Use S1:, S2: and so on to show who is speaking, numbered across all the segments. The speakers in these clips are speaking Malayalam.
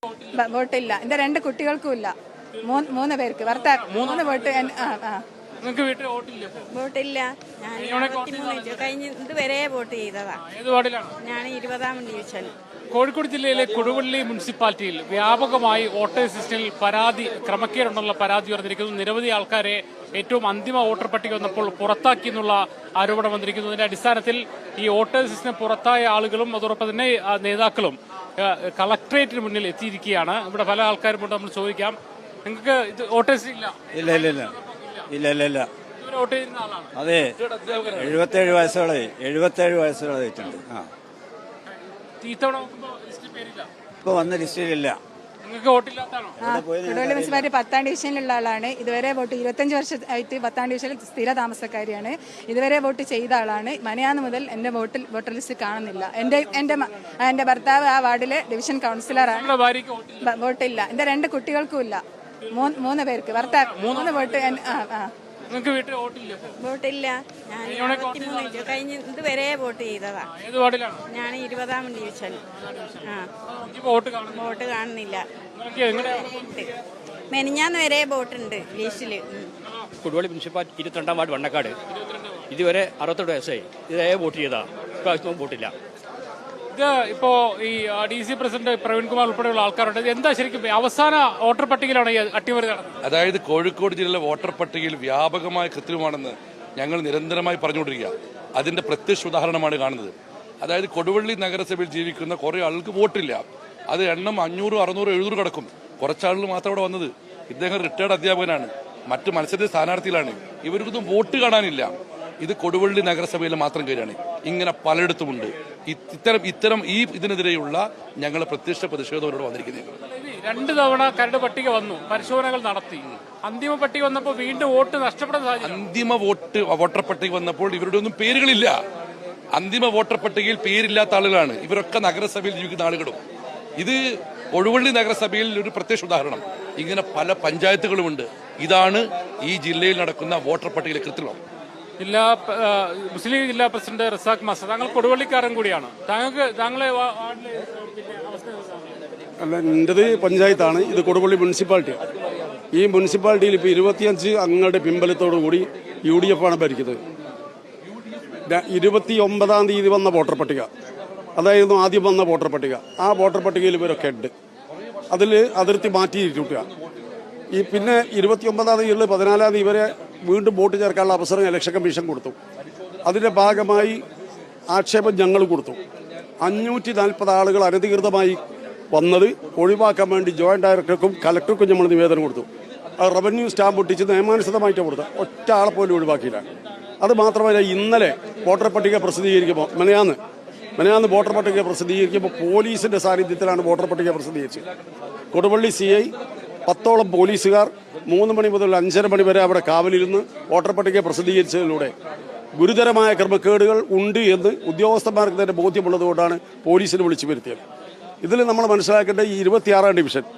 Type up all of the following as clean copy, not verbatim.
S1: വോട്ടില്ല. എന്റെ 2 കുട്ടികൾക്കും ഇല്ല. 3 പേർക്ക് ഭർത്താവ് 3 വോട്ട്.
S2: വോട്ടില്ല. ഞാൻ കഴിഞ്ഞ ഇതുവരെ വോട്ട് ചെയ്തതാ. ഞാൻ 20-ാം ഡിവിഷൻ.
S3: കോഴിക്കോട് ജില്ലയിലെ കൊടുവള്ളി മുനിസിപ്പാലിറ്റിയിൽ വ്യാപകമായി വോട്ടേഴ്സ് ലിസ്റ്റിൽ ക്രമക്കേടുണ്ടെന്നുള്ള പരാതി ഉയർന്നിരിക്കുന്നു. നിരവധി ആൾക്കാരെ ഏറ്റവും അന്തിമ വോട്ടർ പട്ടിക വന്നപ്പോൾ പുറത്താക്കി എന്നുള്ള ആരോപണം വന്നിരിക്കുന്നു. ഇതിന്റെ അടിസ്ഥാനത്തിൽ ഈ വോട്ടേഴ്സ് ലിസ്റ്റിന് പുറത്തായ ആളുകളും അതോടൊപ്പം തന്നെ നേതാക്കളും കളക്ടറേറ്റിന് മുന്നിൽ എത്തിയിരിക്കുകയാണ്. ഇവിടെ പല ആൾക്കാരും കൊണ്ട് നമ്മൾ ചോദിക്കാം, നിങ്ങൾക്ക് ഇത് വോട്ടേഴ്സ് ഇല്ല?
S4: ഇല്ല.
S3: വോട്ട് ചെയ്യുന്ന ആളാണ്?
S4: അതെ, 77 വയസ്സുകളായി. ഇപ്പൊ വന്ന ലിസ്റ്റിലില്ല.
S1: കൊടുവള്ളി മുനിസിപ്പാലിറ്റി 10-ാം ഡിവിഷനിലുള്ള ആളാണ്. ഇതുവരെ വോട്ട് 25 വർഷമായിട്ട് 10-ാം ഡിവിഷനിൽ സ്ഥിര താമസക്കാരിയാണ്. ഇതുവരെ വോട്ട് ചെയ്ത ആളാണ്. മനയാന്ന് മുതൽ എന്റെ വോട്ടർ ലിസ്റ്റ് കാണുന്നില്ല. എന്റെ ഭർത്താവ് ആ വാർഡിലെ ഡിവിഷൻ കൗൺസിലറാണ്. വോട്ടില്ല. എന്റെ 2 കുട്ടികൾക്കും ഇല്ല. 3 പേർക്ക് ഭർത്താവ് 3 വോട്ട്.
S2: വോട്ടില്ല. ഞാൻ കഴിഞ്ഞ ഇതുവരെ വോട്ട് ചെയ്തതാ. ഞാൻ 20-ാം ഡിവിഷൻ. വോട്ട് കാണുന്നില്ല. മെനിഞ്ഞാന്ന് വരെ വോട്ടുണ്ട് ലിസ്റ്റില്.
S5: കൊടുവള്ളി മുനിസിപ്പാലിറ്റി 22-ാം വാർഡ് വണ്ണക്കാട്. ഇതുവരെ 68 വയസ്സായി. ഇതേ വോട്ട് ചെയ്താ. ഇപ്രാവശ്യം വോട്ടില്ല.
S3: ഇത് ഇപ്പോ ഈ DC പ്രസിഡന്റ് പ്രവീൺകുമാർ ഉൾപ്പെടെയുള്ള ആൾക്കാരുണ്ട്. എന്താ ശരിക്കും അവസാന വോട്ടർ പട്ടികയിലാണ് ഈ അട്ടിമറി നടന്നത്?
S6: അതായത് കോഴിക്കോട് ജില്ലയിലെ വോട്ടർ പട്ടികയിൽ വ്യാപകമായ കൃത്രിമമാണെന്ന് ഞങ്ങൾ നിരന്തരമായി പറഞ്ഞുകൊണ്ടിരിക്കുക. അതിന്റെ പ്രത്യക്ഷ ഉദാഹരണമാണ് കാണുന്നത്. അതായത് കൊടുവള്ളി നഗരസഭയിൽ ജീവിക്കുന്ന കുറെ ആൾക്ക് വോട്ടില്ല. അത് എണ്ണം 500, 600, 700 കടക്കും. കുറച്ചാളുകൾ മാത്രം അവിടെ വന്നത്. ഇദ്ദേഹം റിട്ടയർഡ് അധ്യാപകനാണ്. മറ്റ് മത്സര സ്ഥാനാർത്ഥികളാണ്. ഇവർക്കൊന്നും വോട്ട് കാണാനില്ല. ഇത് കൊടുവള്ളി നഗരസഭയിലെ മാത്രം കാര്യമാണ്. ഇങ്ങനെ പലയിടത്തുമുണ്ട്. ഇത്തരം ഇതിനെതിരെയുള്ള ഞങ്ങളെ പ്രത്യക്ഷ പ്രതിഷേധം വന്നിരിക്കുന്നത്.
S3: 2 തവണ കരട് പട്ടിക വന്നു, പരിശോധനകൾ നടത്തി. അന്തിമ പട്ടിക വന്നപ്പോൾ വീണ്ടും വോട്ട് നഷ്ടപ്പെടുന്ന സാഹചര്യം.
S6: അന്തിമ വോട്ടർ പട്ടിക വന്നപ്പോൾ ഇവരുടെ ഒന്നും പേരുകളില്ല. അന്തിമ വോട്ടർ പട്ടികയിൽ പേരില്ലാത്ത ആളുകളാണ്. ഇവരൊക്കെ നഗരസഭയിൽ ജീവിക്കുന്ന ആളുകളും. ഇത് കൊടുവള്ളി നഗരസഭയിൽ ഒരു പ്രത്യക്ഷ ഉദാഹരണം. ഇങ്ങനെ പല പഞ്ചായത്തുകളുമുണ്ട്. ഇതാണ് ഈ ജില്ലയിൽ നടക്കുന്ന വോട്ടർ പട്ടികയിലെ കൃത്രിമം.
S3: മുസ്ലിം ലീഗ് ജില്ലാ പ്രസിഡന്റ് റസാഖ് മാസ്റ്റർ, താങ്കൾ കൊടുവള്ളിക്കാരൻ കൂടിയാണ്. താങ്കളെ
S7: അല്ല, എന്റേത് പഞ്ചായത്താണ്. ഇത് കൊടുവള്ളി മുനിസിപ്പാലിറ്റിയാണ്. ഈ മുനിസിപ്പാലിറ്റിയിൽ ഇപ്പോൾ 25 അംഗങ്ങളുടെ പിൻബലത്തോടു കൂടി UDF ആണ് ഭരിക്കുന്നത്. 29-ാം തീയതി വന്ന വോട്ടർ പട്ടിക, അതായിരുന്നു ആദ്യം വന്ന വോട്ടർ പട്ടിക. ആ വോട്ടർ പട്ടികയിൽ ഇവരൊക്കെ ഉണ്ട്. അതിൽ അതിർത്തി മാറ്റിയിരിക്കുക. ഈ പിന്നെ 29-ാം തീയതി 14-ാം തീയതി ഇവരെ വീണ്ടും വോട്ട് ചേർക്കാനുള്ള അവസരം ഇലക്ഷൻ കമ്മീഷൻ കൊടുത്തു. അതിന്റെ ഭാഗമായി ആക്ഷേപം ഞങ്ങൾ കൊടുത്തു. 540 ആളുകൾ അനധികൃതമായി വന്നത് ഒഴിവാക്കാൻ വേണ്ടി ജോയിന്റ് ഡയറക്ടർക്കും കലക്ടർക്കും നമ്മൾ നിവേദനം കൊടുത്തു. അത് റവന്യൂ സ്റ്റാമ്പ് ഒട്ടിച്ച് നിയമാനുസൃതമായിട്ട് കൊടുത്തത്. ഒറ്റ ആളെ പോലും ഒഴിവാക്കിയില്ല. അത് മാത്രമല്ല, ഇന്നലെ വോട്ടർ പട്ടിക പ്രസിദ്ധീകരിക്കുമ്പോൾ മെനയാന്ന് വോട്ടർ പട്ടിക പ്രസിദ്ധീകരിക്കുമ്പോൾ പോലീസിന്റെ സാന്നിധ്യത്തിലാണ് വോട്ടർ പട്ടിക പ്രസിദ്ധീകരിച്ചത്. കൊടുവള്ളി CI 10ഓളം പോലീസുകാർ 3 മണി മുതൽ 5:30 മണി വരെ അവിടെ കാവലിരുന്ന് വോട്ടർ പട്ടിക പ്രസിദ്ധീകരിച്ചതിലൂടെ ഗുരുതരമായ ക്രമക്കേടുകൾ ഉണ്ട് എന്ന് ഉദ്യോഗസ്ഥന്മാർക്ക് തന്നെ ബോധ്യമുള്ളതുകൊണ്ടാണ് പോലീസിനെ വിളിച്ചു വരുത്തിയത്. ഇതിൽ നമ്മൾ മനസ്സിലാക്കേണ്ട ഈ 26-ാം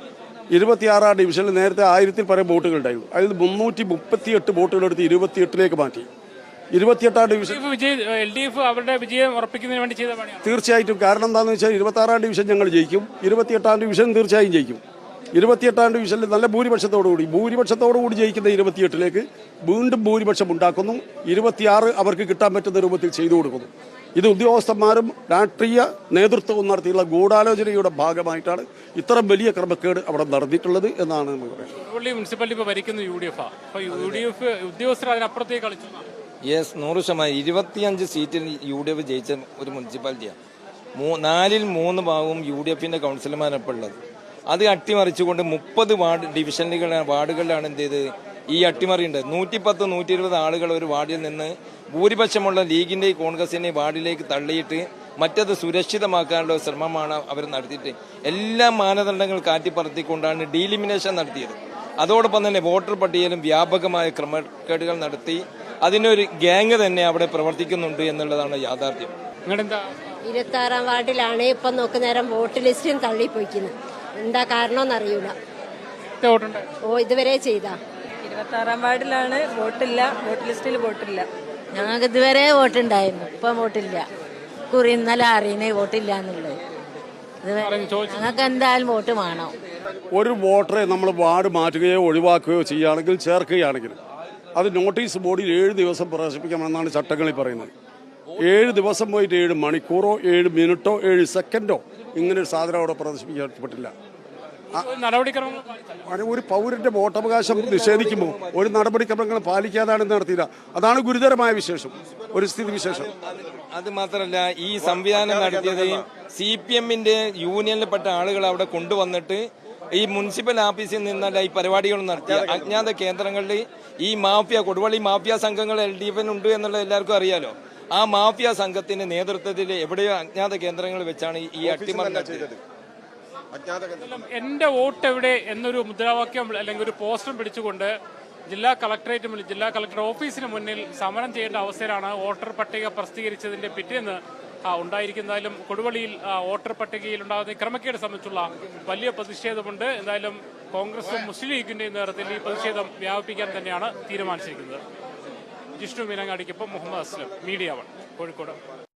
S7: ഡിവിഷനിൽ നേരത്തെ 1000-ൽ പരം വോട്ടുകൾ ഉണ്ടായിരുന്നു. അതിൽ 338 വോട്ടുകളെടുത്ത് 28-ലേക്ക് മാറ്റി. 28-ാം ഡിവിഷൻ
S3: അവരുടെ വിജയം ഉറപ്പിക്കുന്നതിന് വേണ്ടി ചെയ്ത പണിയാണ്.
S7: തീർച്ചയായിട്ടും. കാരണം എന്താണെന്ന് വെച്ചാൽ 26-ാം ഡിവിഷൻ ഞങ്ങൾ ജയിക്കും, 28-ാം ഡിവിഷൻ തീർച്ചയായും ജയിക്കും. 28-ാം ഡിവിഷനിൽ നല്ല ഭൂരിപക്ഷത്തോടുകൂടി ജയിക്കുന്ന 28-ലേക്ക് വീണ്ടും ഭൂരിപക്ഷം ഉണ്ടാക്കുന്നു. 26 അവർക്ക് കിട്ടാൻ പറ്റുന്ന രൂപത്തിൽ ചെയ്തു കൊടുക്കുന്നു. ഇത് ഉദ്യോഗസ്ഥന്മാരും രാഷ്ട്രീയ നേതൃത്വവും നടത്തിയുള്ള ഗൂഢാലോചനയുടെ ഭാഗമായിട്ടാണ് ഇത്തരം വലിയ ക്രമക്കേട് അവിടെ നടന്നിട്ടുള്ളത് എന്നാണ് നമ്മൾ പറയുന്നത്.
S3: മുനിസിപ്പാലിറ്റി ഭരിക്കുന്ന UDF ഉദ്യോഗസ്ഥർ അതിനപ്പുറത്തേക്ക് കളിച്ചു.
S8: 100%. 25 സീറ്റിൽ UDF ജയിച്ച ഒരു മുനിസിപ്പാലിറ്റിയാണ്. 4-ൽ 3 ഭാഗവും UDFന്റെ കൗൺസിലർമാരപ്പോൾ ഉള്ളത്. അത് അട്ടിമറിച്ചുകൊണ്ട് 30 വാർഡുകളിലാണ് എന്ത് ചെയ്ത് ഈ അട്ടിമറിയുണ്ട്. 110, 120 ആളുകൾ ഒരു വാർഡിൽ നിന്ന് ഭൂരിപക്ഷമുള്ള ലീഗിന്റെയും കോൺഗ്രസിന്റെയും വാർഡിലേക്ക് തള്ളിയിട്ട് മറ്റത് സുരക്ഷിതമാക്കാനുള്ള ശ്രമമാണ് അവർ നടത്തിയിട്ട് എല്ലാ മാനദണ്ഡങ്ങൾ കാറ്റിപ്പറത്തിക്കൊണ്ടാണ് ഡീലിമിനേഷൻ നടത്തിയത്. അതോടൊപ്പം തന്നെ വോട്ടർ പട്ടികയിലും വ്യാപകമായ ക്രമക്കേടുകൾ നടത്തി അതിനൊരു ഗ്യാങ് തന്നെ അവിടെ പ്രവർത്തിക്കുന്നുണ്ട് എന്നുള്ളതാണ് യാഥാർത്ഥ്യം.
S9: 26-ാം വാർഡിലാണ് ഇപ്പം നോക്കുന്നേരം വോട്ട് ലിസ്റ്റും തള്ളിപ്പോയിക്കുന്നത്. എന്താ കാരണമെന്നറിയൂല. ഇതുവരെ ചെയ്താ
S2: 26-ാം വാർഡിലാണ് വോട്ടില്ല, വോട്ട് ലിസ്റ്റിൽ വോട്ടില്ല.
S9: ഞങ്ങൾക്ക് ഇതുവരെ വോട്ടുണ്ടായിരുന്നു, ഇപ്പം വോട്ടില്ല. ഇന്നലെ അറിയുന്നേ വോട്ടില്ല എന്നുള്ളത്. ഞങ്ങൾക്ക് എന്തായാലും വോട്ട് വേണം.
S7: ഒരു വോട്ടറെ നമ്മൾ വാർഡ് മാറ്റുകയോ ഒഴിവാക്കുകയോ ചെയ്യുകയാണെങ്കിൽ ചേർക്കുകയാണെങ്കിൽ അത് നോട്ടീസ് ബോർഡിൽ 7 ദിവസം പ്രദർശിപ്പിക്കാമെന്നാണ് ചട്ടങ്ങളിൽ പറയുന്നത്. 7 ദിവസം പോയിട്ട് 7 മണിക്കൂറോ 7 മിനിറ്റോ 7 സെക്കൻഡോ ഇങ്ങനെ ഒരു സാധനം അവിടെ പ്രദർശിപ്പിക്കപ്പെട്ടില്ല. ഒരു പൗരന്റെ വോട്ടവകാശം നിഷേധിക്കുമ്പോൾ ഒരു നടപടിക്രമങ്ങൾ പാലിക്കാതാണ് നടത്തിയില്ല. അതാണ് ഗുരുതരമായ വിശേഷം, ഒരു സ്ഥിതി വിശേഷം.
S8: അത് മാത്രമല്ല, ഈ സംവിധാനം നടത്തിയത് CPM-ന്റെ യൂണിയനിൽപ്പെട്ട ആളുകൾ അവിടെ കൊണ്ടുവന്നിട്ട് ഈ മുനിസിപ്പൽ ഓഫീസിൽ നിന്നല്ല ഈ പരിപാടികൾ നടത്തിയ അജ്ഞാത കേന്ദ്രങ്ങളിൽ ഈ മാഫിയ കൊടുവള്ളി മാഫിയ സംഘങ്ങൾ LDF ഉണ്ട് എന്നുള്ളത് എല്ലാവർക്കും അറിയാലോ. ആ മാഫിയ സംഘത്തിന്റെ നേതൃത്വത്തിൽ എവിടെയോ അജ്ഞാത കേന്ദ്രങ്ങൾ വെച്ചാണ് ഈ അട്ടിമറി നടത്തിയത്.
S3: എന്റെ വോട്ട് എവിടെ എന്നൊരു മുദ്രാവാക്യം അല്ലെങ്കിൽ ഒരു പോസ്റ്റർ പിടിച്ചുകൊണ്ട് ജില്ലാ കളക്ടർ ഓഫീസിന് മുന്നിൽ സമരം ചെയ്യേണ്ട അവസ്ഥയിലാണ് വോട്ടർ പട്ടിക പ്രസിദ്ധീകരിച്ചതിന്റെ പിറ്റേന്ന് ഉണ്ടായിരിക്കുന്നതായാലും കൊടുവള്ളിയിൽ വോട്ടർ പട്ടികയിൽ ഉണ്ടാകുന്ന ക്രമക്കേട് സംബന്ധിച്ചുള്ള വലിയ പ്രതിഷേധമുണ്ട്. എന്തായാലും കോൺഗ്രസും മുസ്ലിം ലീഗിന്റെയും നേതൃത്വത്തിൽ ഈ പ്രതിഷേധം വ്യാപിപ്പിക്കാൻ തന്നെയാണ് തീരുമാനിച്ചിരിക്കുന്നത്. ജിഷ്ണു മീനങ്ങാടിക്കൊപ്പം മുഹമ്മദ് അസ്ലം, മീഡിയ 1, കോഴിക്കോട്.